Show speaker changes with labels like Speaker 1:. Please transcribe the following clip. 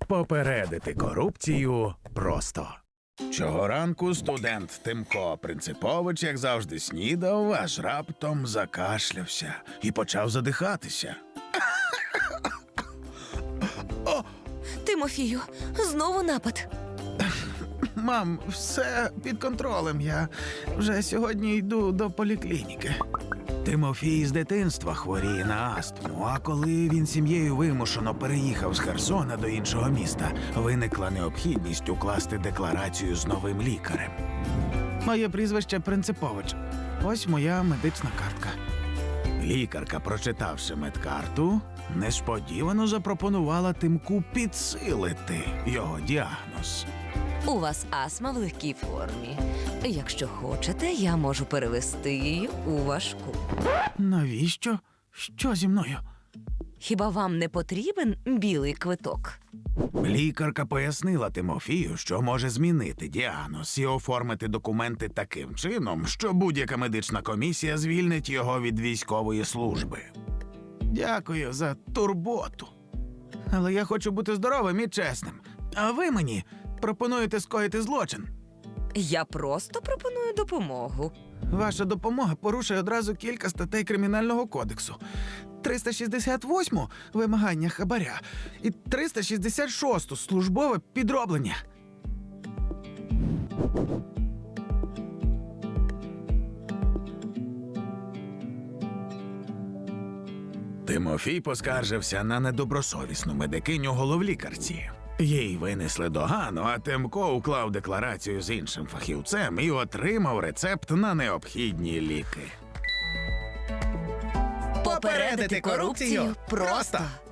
Speaker 1: Попередити корупцію просто. Цього ранку студент Тимко Принципович, як завжди, снідав, аж раптом закашлявся і почав задихатися.
Speaker 2: Тимофію, знову напад.
Speaker 1: Мам, все під контролем. Я вже сьогодні йду до поліклініки. Тимофій з дитинства хворіє на астму, а коли він сім'єю вимушено переїхав з Херсона до іншого міста, виникла необхідність укласти декларацію з новим лікарем. Моє прізвище Принципович. Ось моя медична картка. Лікарка, прочитавши медкарту, несподівано запропонувала Тимку підсилити його діагноз.
Speaker 2: У вас астма в легкій формі. Якщо хочете, я можу перевести її у важку.
Speaker 1: Навіщо? Що зі мною?
Speaker 2: Хіба вам не потрібен білий квиток?
Speaker 1: Лікарка пояснила Тимофію, що може змінити діагноз і оформити документи таким чином, що будь-яка медична комісія звільнить його від військової служби. Дякую за турботу. Але я хочу бути здоровим і чесним. А ви мені пропонуєте скоїти злочин.
Speaker 2: Я просто пропоную допомогу.
Speaker 1: Ваша допомога порушує одразу кілька статей Кримінального кодексу. 368-му – вимагання хабаря і 366-ту – службове підроблення. Тимофій поскаржився на недобросовісну медикиню головлікарці. Їй винесли догану, а Тимко уклав декларацію з іншим фахівцем і отримав рецепт на необхідні ліки.
Speaker 2: Попередити корупцію просто.